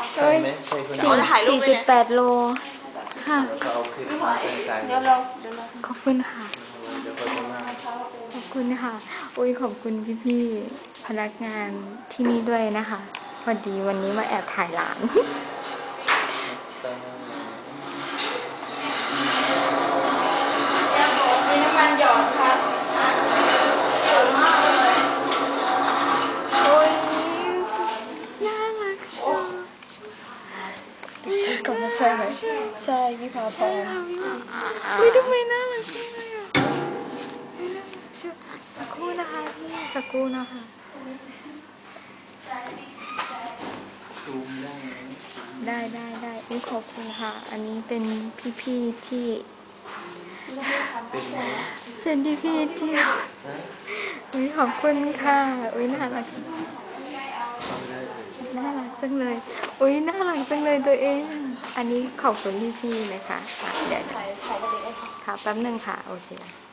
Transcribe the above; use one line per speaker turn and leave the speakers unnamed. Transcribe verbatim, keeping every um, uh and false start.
ใช่ไหมใช่คนนี้
สี่จุดแปดโลค่ะ
เขาเอาคลิปมาเป็นใจเดี๋ยว
เราขอบคุณค่ะ
เดี๋ยวเขาจะมา
ขอบคุณค่ะอุ้ยขอบคุณพี่ๆพนักงานที่นี่ด้วยนะคะพอดีวันนี้มาแอบถ่ายหลานมีน้ำมันหยอดค่ะหยอดมากเลยโอ้ยน่ารักชัวร์ก่อนมาใช่ไหมใช่พี่พาพรอุ้ยทำไมน่ารักจังเลยอ่ะสักครู่นะคะพี่สักครู่นะคะ
ซูมได้ไหม
ได้ได้ได้อุ้ยขอบคุณค่ะอันนี้เป็นพี่ๆที่
เป็นไหม
เป็นพี่ๆที่อุ้ยขอบคุณค่ะอุ้ยน่ารักน่ารักจังเลยอุ้ยน่ารักจังเลยตัวเองอันนี้ขอบคุณพี่ๆนะคะเดี๋ยวค่ะแป๊บนึงค่ะโอเค